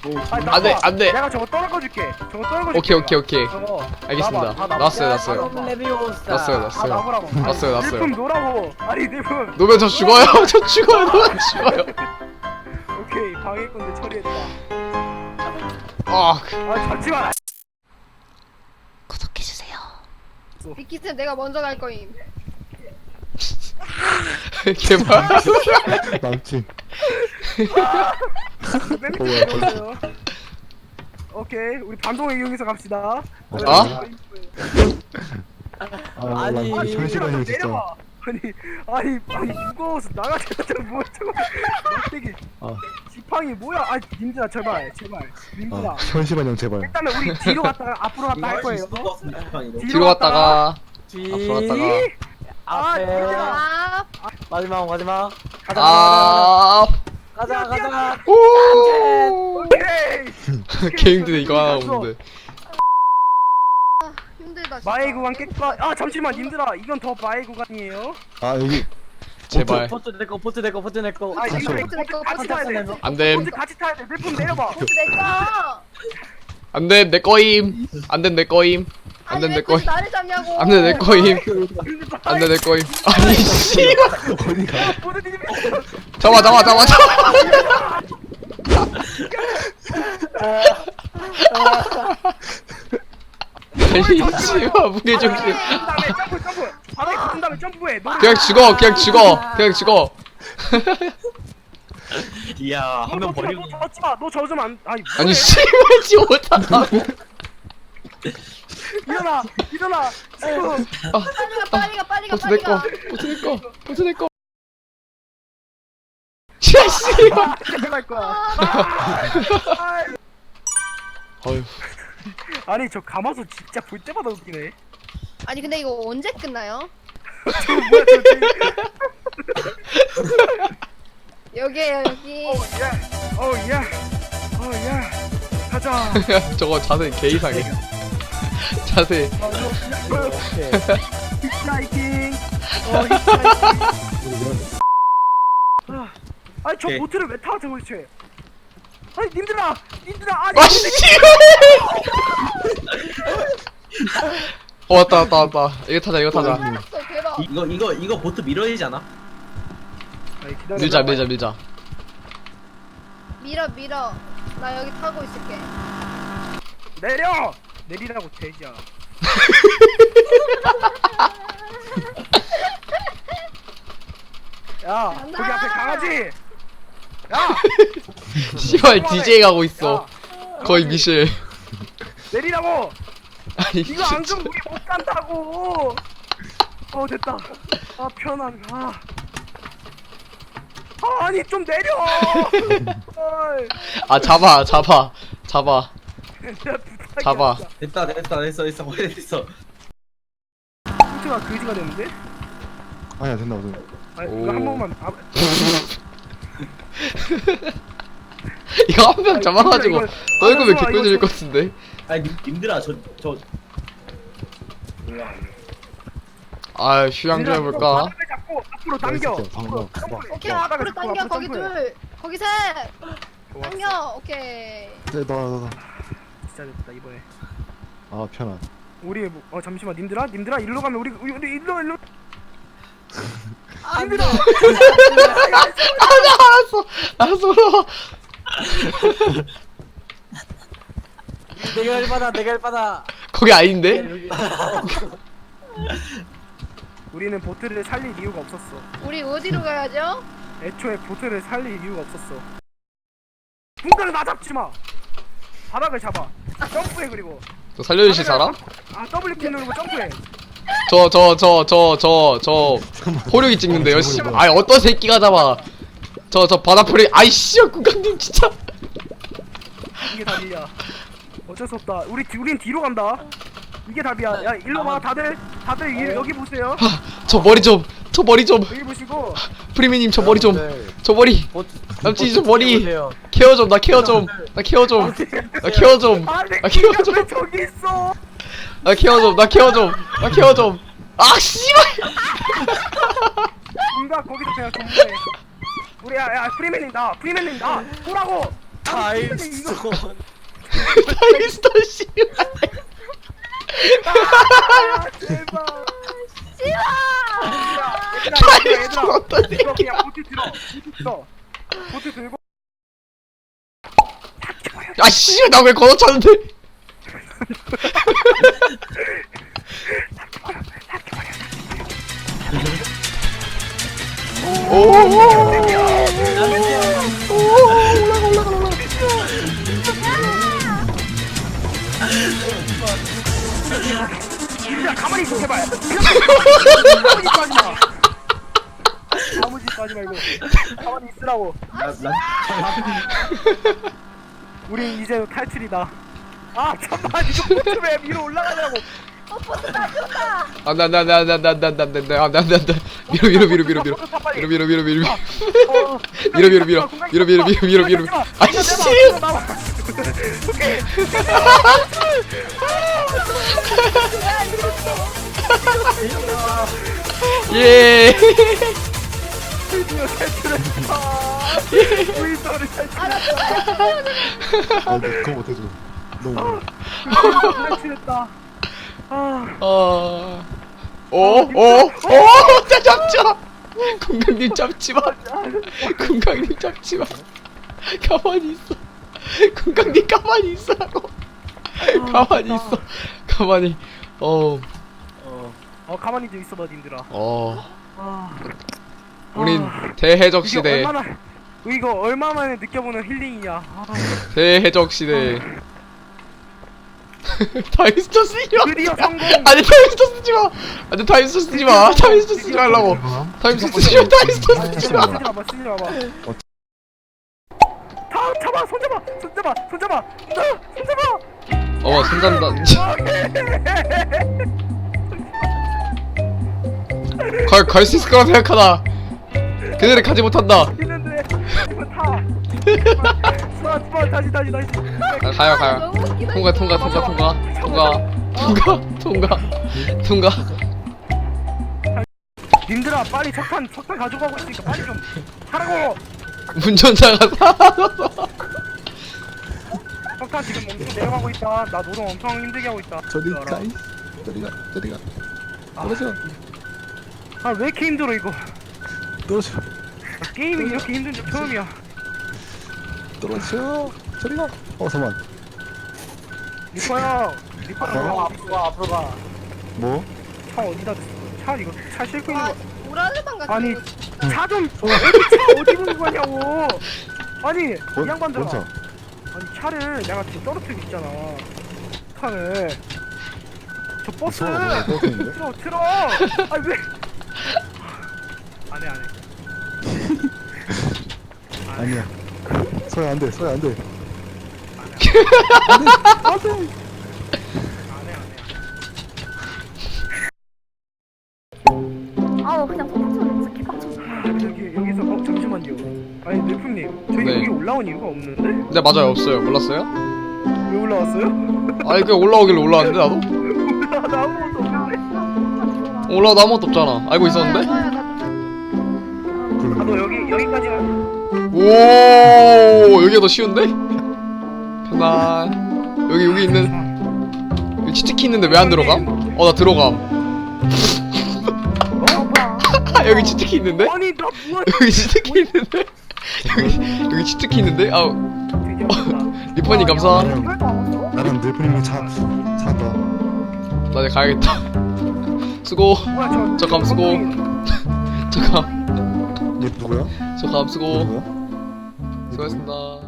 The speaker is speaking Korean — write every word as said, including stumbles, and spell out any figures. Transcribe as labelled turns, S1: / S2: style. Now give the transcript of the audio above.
S1: 아니,
S2: 안 돼,
S1: 나와.
S2: 안 돼.
S1: 내가 저거 떨궈줄게. 저거 떨궈줄게.
S2: 오케이 오케이 오케이.
S1: 저거.
S2: 알겠습니다.
S1: 나와봐, 다 나와.
S2: 나왔어요
S1: 야,
S2: 나왔어요.
S1: 다 나와.
S3: 레비오사.
S2: 나왔어요
S1: 아,
S2: 나왔어요.
S1: 나보라고. 아니,
S2: 났어요, 났어요.
S1: 일품 노라고. 아니, 일품.
S2: 놓으면 저 죽어요. 저 죽어요. 놓으면 죽어요.
S1: 오케이, 방해꾼들 처리했다.
S2: 아 그-
S1: 아, 잠시만.
S2: 구독해주세요.
S4: 비키쌤 내가 먼저 갈 거임.
S2: 제발.
S5: 남친.
S1: 맹세히 들어오세요. 오케이, 우리 반동을 이용해서 갑시다.
S2: 아?
S5: 아,
S3: 아니,
S5: 남친
S1: 아니,
S5: 현실감이 진짜.
S1: 내려와. 아니, 아니, 아니, 무거워서 나가자마자 뭐 저거. 되게
S5: 아,
S1: 지팡이 뭐야? 아니, 님들아, 제발, 제발. 님들아.
S5: 아, 현실반영 제발.
S1: 일단은 우리 뒤로 갔다가 앞으로 갔다 할 거예요.
S2: 뒤로 갔다가
S3: 뒤.
S2: 앞으로 갔다가
S1: 아,
S3: 앞에.
S1: 진짜.
S4: 아,
S3: 마지막 마지막. 가자
S2: 아
S3: 가자 가자. 가자.
S2: 오.
S1: 오케이.
S2: 개 힘드네 이거 하나 오는데.
S4: 힘들다. 진짜.
S1: 마의 구간 깼다. 아, 잠시만, 님들아, 이건 더 마의 구간이에요.
S5: 아, 여기.
S2: 제발.
S3: 포트 내거 포트 내거 포트 내거.
S1: 아, 이거
S5: 잠시만.
S1: 포트 같이 타야 돼.
S2: 안됨
S1: 포트 같이 타야 돼. 물품 내려봐.
S4: 포트 내꺼.
S2: 안됨 내 거임. 안됨 내 거임.
S4: 아니
S2: 안됨
S4: 왜
S2: 내
S4: 굳이
S2: 거임.
S4: 나를 잡냐고.
S2: 안됨 내 거임. 안됨 내 거임. 아니 씨.
S5: 어디가?
S1: 모두님이
S2: 잡아 잡아 잡아 잡아. 아니 씨발 무게중심.
S1: 다음에 점프 점프. 바닥에 붙은 다음에 점프해. 노래.
S2: 그냥 죽어 그냥 죽어 그냥 죽어.
S3: 이야 한 명 버리고.
S1: 너 젖지 마. 너 젖으면 안. 아니.
S2: 아니
S1: 뭐해?
S2: 씨발 지 못한다.
S1: 일어나. 일어나. 지금.
S4: 빨리 가 빨리 가 빨리 가
S2: 버스
S4: 빨리
S2: 내 거.
S4: 가.
S2: 버스 내 거. 버스 내 거. 야 씨발.
S1: 갈 거야. 아,
S2: 어휴.
S1: 아니 저 가마솥 진짜 볼 때마다 웃기네.
S4: 아니 근데 이거 언제 끝나요?
S1: 저 뭐야 저 지금.
S4: 여기에요 여기.
S1: 어 야. 어 야. 어 야. 가자.
S2: 저거 자세 개 이상해. 자세.
S1: 어, 이거
S3: 오케이.
S1: 히트라이팅. 어 히트라이팅. 아, 아니 저
S3: 오케이.
S1: 보트를 왜 타 저거 대체? 아니 님들아, 님들아 아니.
S2: 아 씨. 어 왔다 왔다 왔다. 이거 타자 이거 타자.
S4: 살았어 대박.
S6: 이거 이거 이거 보트 밀어야 되잖아.
S1: 아니, 기다려.
S2: 밀자 밀자 밀자.
S4: 밀어 밀어. 나 여기 타고 있을게.
S1: 내려. 내리라고 돼지야. 야 거기 앞에 강아지. 야.
S2: 씨발 디제이 가고 있어.
S1: 야,
S2: 거의
S1: 강아지,
S2: 미실.
S1: 내리라고.
S2: 아니
S1: 이거 안
S2: 진짜.
S1: 그럼 우리 못 간다고. 어 됐다. 아 편안. 아. 아 아니 좀 내려. 어이.
S2: 아 잡아 잡아 잡아
S1: 진짜 부탁이야,
S2: 잡아.
S1: 진짜.
S6: 됐다 됐다 됐어 됐어 거의 됐어.
S1: 포트가 그지가 됐는데?
S5: 아니야, 된다, 된다.
S1: 아
S2: 오.
S1: 이거 한 번만. 아,
S2: 이거 한 명 잡아가지고
S1: 이거-
S2: 떨구면
S1: 이거
S2: 개꿀질
S1: 좀-
S2: 것 같은데.
S6: 아니 님- 님들아 저저
S2: 아 휴양 좀 해볼까.
S1: 바닥을 잡고 앞으로 당겨.
S5: 진짜 방금.
S1: 앞으로 점프해.
S4: 오케이
S1: 바닥을
S4: 앞으로
S1: 잡고
S4: 당겨
S1: 앞으로
S4: 거기
S1: 점프해.
S4: 둘 거기 셋.
S1: 좋았어.
S4: 당겨 오케이.
S5: 네, 나, 나, 나.
S1: 진짜 됐다 이번에.
S5: 아, 편안.
S1: 우리 뭐, 어 잠시만 님들아 님들아 일로 가면 우리 우리, 우리 일로 일로.
S4: 안
S1: 님들아.
S2: 아나 알았어 알았어 올라와.
S3: 내가 일바다 내가 일바다.
S2: 거기 아닌데?
S3: 여기.
S1: 우리는 보트를 살릴 이유가 없었어.
S4: 우리 어디로 가야죠?
S1: 애초에 보트를 살릴 이유가 없었어. 분간을 나 잡지 마. 바닥을 잡아. 점프해 그리고.
S2: 저 살려주실 사람?
S1: 아 더블 키 누르고 점프해.
S2: 저 저 저 저 저 저 호력이 찍는데요 씨. 아니 어떤 새끼가 잡아. 저 저 바다 풀이 아이씨 국장님 진짜.
S1: 이게 답이야. 어쩔 수 없다. 우리 뒤- 우린 뒤로 간다. 이게 답이야. 야 일로 와 다들 다들 이, 여기 보세요.
S2: 저 머리 좀 저 머리 좀
S1: 여기 보시고.
S2: 프리미님 저 머리 좀 저 머리
S3: 보트.
S2: 남친이 저 머리
S3: 보세요.
S2: 케어 좀 나 케어 좀 나 케어 좀 나 케어 좀
S1: 아, 내
S2: 나 케어
S1: 키가
S2: 좀
S1: 왜 저기 있어?
S2: 나 케어 좀 나 케어 좀 나 케어 좀 아 씨발.
S1: 뭔가 거기서 그냥 정보해. 우리 야, 야 프리맨님 나 프리맨님 나 보라고.
S3: 타임스톤.
S2: 타이스터 씨.
S1: 아, 제발.
S4: 씨발!
S1: 얘들아, 얘들아,
S2: 어떠니?
S1: 이거 그냥 보트 들어. 보트 들어. 보트 들고.
S2: 아씨 나 왜 걷어차는데?
S1: 야, 가만히 있어, 제발. 가만히 있어, 하지 마. 아무 짓도 하지 말고. 가만히 있으라고. 우린 이제 탈출이다. 아, 잠깐만, 이거 보트 왜 위로 올라가냐고.
S4: 어, 버스 다 쏜다!
S2: 안돼 안돼 안돼 안돼 안돼 안돼 안돼 안돼 안돼 안돼 안돼 밀어 밀어 밀어 밀어 밀어 밀어 밀어 밀어 밀어
S1: 어,
S2: 밀어 밀어 밀어 밀어 밀어 밀어 밀어 밀어 밀어 아이씨 예
S1: 드디어 탈출했다. 우리 서로 탈출했다.
S5: 아, 나 그거 못해줘. 너무.
S1: 탈출했다. 아,
S2: 어. 어어어 잡자 공강님 잡지마 공강님 잡지마 가만히 있어 공강님 가만히 있으라고 가만히 있어 가만히 어어
S1: 어, 가만히 좀 있어봐, 님들아. 아,
S2: 우린
S1: 아,
S2: 대해적
S1: 이게
S2: 시대
S1: 얼마나 이거 얼마 만에 느껴보는 힐링이야. 아,
S2: 대해적 시대 타임스토 쓰지 마
S1: 드디어 성공.
S2: 아니 타임스토 쓰지 마 아니 타임스토 쓰지 마 타임스토 쓰지 말라고 타임스토 쓰지 마 타임스토 쓰지 마
S1: 쓰지 마봐, 쓰지 마봐. 다 잡아, 손 잡아, 손 잡아, 손 잡아, 나, 손 잡아.
S2: 어 손잡는다 갈 갈 수 있을 거라 생각하나 그들이 가지 못한다
S1: 있는데 이거 타. 수아, 수아, 다시, 다시, 다시.
S2: 아, 가요 가요
S4: 너무 웃기다.
S2: 통과 통과 통과 통과 통과 통과 통과 통과
S1: 님들아, 빨리 석탄, 석탄 가져가고 있으니까 빨리 좀 하라고.
S2: 운전자가 사라졌어
S1: 석탄 지금 엄청 내려가고 있다. 나 노동 엄청 힘들게 하고 있다.
S5: 저리
S1: 알아.
S5: 가. 저리 가. 저리 가. 떨어져.
S1: 아, 왜 이렇게 힘들어 이거?
S5: 떨어져.
S1: 아, 게임이 이렇게 힘든 적 처음이야.
S5: 떨어져. 저리 가. 어, 잠만.
S1: 리퍼 형, 리퍼
S5: 어?
S1: 형,
S3: 앞으로 가 앞으로 가.
S5: 뭐?
S1: 차 어디다 뒀어? 차 이거 차 싣고 있는
S4: 아,
S1: 거.
S4: 오라르방 같은
S1: 아니,
S4: 거.
S1: 차 좀 어디 차 어디 보는 거냐고. 아니,
S5: 뭔,
S1: 이 양반들아.
S5: 뭔 차?
S1: 아니, 차를 내가 지금 떨어뜨리고 있잖아. 차를. 저 버스.
S5: 무서워, 뭐 떨어뜨리는데?
S1: 틀어, 틀어. 아니 왜? 안해 안해.
S5: 아니야. 서야 안 돼. 서야 안 돼.
S1: 안해 안해.
S4: 아우, 그냥 폭풍처럼 진짜 개빡쳐.
S1: 여기 여기서 어 잠시만요. 아니 넬품님, 저희
S2: 네.
S1: 여기 올라온 이유가 없는데?
S2: 네 맞아요 없어요 몰랐어요?
S1: 왜 올라왔어요?
S2: 아니 그냥 올라오길래 올라왔는데 나도?
S1: 나 나 아무것도 없는데.
S2: 올라와도 아무것도 없잖아 알고 있었는데?
S1: 아, 너 여기 여기까지 가.
S2: 오 여기가 더 쉬운데? 편안 여기 여기 있는 여기 치트키 있는데 왜 안 들어감? 어 나 들어감
S4: 어, 뭐야.
S2: 여기 치트키 있는데?
S1: 아니 나 뭐야?
S2: 여기 치트키 있는데? 여기 여기 치트키 있는데? 아우
S1: 드디어 왔다.
S2: 리퍼님 감사
S5: 나랑
S4: 이걸 또 안 왔어?
S5: 나랑 넬프님이 차 차다.
S2: 나 이제 가야겠다 수고
S1: 뭐야 저?
S2: 저 감 수고 저감
S5: 얘 누구야?
S2: 저감 수고
S5: 누구야? 얘 누구야?
S2: 수고하셨습니다